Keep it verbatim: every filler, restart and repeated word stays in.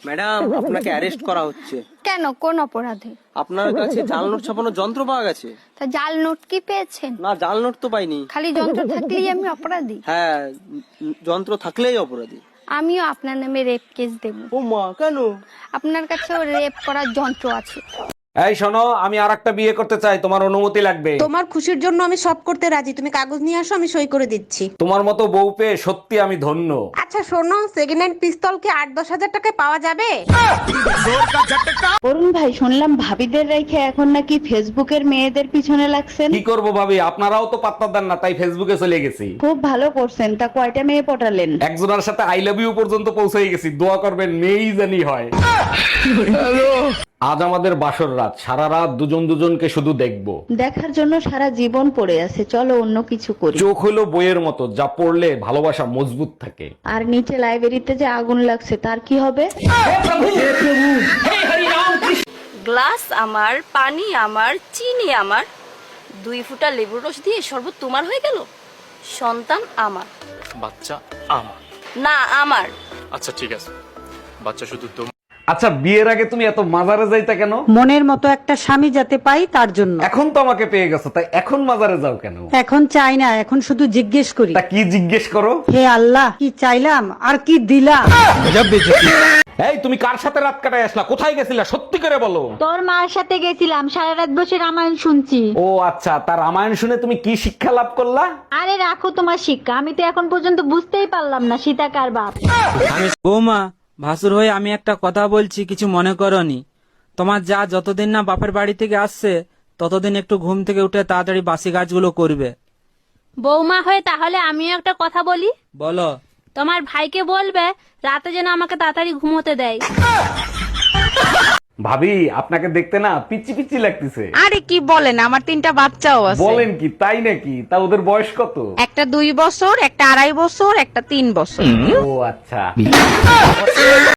Madam, আপনাকে arrest করা হচ্ছে। কেন, কোন অপরাধে? আপনার কাছে জাল নোট ছাপানোর যন্ত্র পাওয়া গেছে। তা জাল নোট কি পেয়েছেন? না, জাল নোট তো পাইনি। খালি যন্ত্র থাকলেই আমি অপরাধী? হ্যাঁ, যন্ত্র থাকলেই অপরাধী। আমিও আপনার নামে রেপ কেস দেব। ও মা, কেন? আপনার কাছেও রেপ করার যন্ত্র আছে। এই শোনো, আমি আর একটা বিয়ে করতে চাই, তোমার অনুমতি লাগবে। তোমার খুশির জন্য আমি সব করতে রাজি, তুমি কাগজ নিয়ে আসো, আমি সই করে দিচ্ছি। তোমার মতো বউ পেয়ে সত্যি আমি ধন্য। আচ্ছা শোনো, সেকেন্ড হ্যান্ড পিস্তল কি আট দশ হাজার টাকায় পাওয়া যাবে? অরুণ ভাই, শুনলাম ভাবিদের রেখে এখন নাকি ফেসবুকের মেয়েদের পিছনে লাগছেন। কি করব ভাবি, আপনারাও তো পাত্তা দেন না, তাই ফেসবুকে চলে গেছি। খুব ভালো করছেন। তা কয়টা মেয়ে পটালেন? একজনের সাথে আই লাভ ইউ পর্যন্ত পৌঁছে গেছি। দোয়া করবেন মেয়েই জানি হয়। আজ আমাদের বাসর রাত, সারা রাত দুজন দুজনকে শুধু দেখবো। দেখার জন্য সারা জীবন পড়ে আছে, চলো অন্য কিছু করি। চোখ হলো বইয়ের মতো, যা পড়লে ভালোবাসা মজবুত থাকে। আর নিচে লাইব্রেরিতে যে আগুন লাগছে তার কি হবে? গ্লাস আমার, পানি আমার, চিনি আমার, দুই ফুটা লেবুর রস দিয়ে শরবত তোমার হয়ে গেল। সন্তান আমার, বাচ্চা আমার। না আমার। আচ্ছা ঠিক আছে, বাচ্চা শুধু তোমার। আচ্ছা, বিয়ের আগে তুমি এত মাজারে যাইতা কেন? মনের মতো একটা স্বামী যাতে পাই তার জন্য। এখন তো আমাকে পেয়ে গেছো, তাই এখন মাজারে যাও কেন? এখন চাই না, এখন শুধু জিজ্ঞেস করি, তা কি জিজ্ঞেস করো? হে আল্লাহ, কি চাইলাম আর কি দিলাম। এই, তুমি কার সাথে রাত কাটায় আসলা? কোথায় গেছিলা? সত্যি করে বলো। তোর মার সাথে গেছিলাম, সারা রাত বসে রামায়ণ শুনছি। ও আচ্ছা, তার রামায়ণ শুনে তুমি কি শিক্ষা লাভ করলা? আরে রাখো তোমার শিক্ষা, আমি তো এখন পর্যন্ত বুঝতেই পারলাম না সীতা কার বাপ। বৌমা, ভাসুর হয়ে আমি একটা কথা বলছি, কিছু মনে করনি। তোমার যা যতদিন না বাপের বাড়ি থেকে আসছে ততদিন একটু ঘুম থেকে উঠে তাড়াতাড়ি বাসি কাজগুলো করবে। বৌমা হয়ে তাহলে আমিও একটা কথা বলি। বলো। তোমার ভাইকে বলবে রাতে যেন আমাকে তাড়াতাড়ি ঘুমোতে দেয়। ভাবি, আপনাকে দেখতে না পিচি পিচি লাগতেছে। আরে কি বলেন, আমার তিনটা বাচ্চাও আছে। বলেন কি, তাই নাকি? তা ওদের বয়স কত? একটা দুই বছর, একটা আড়াই বছর, একটা তিন বছর। ও আচ্ছা।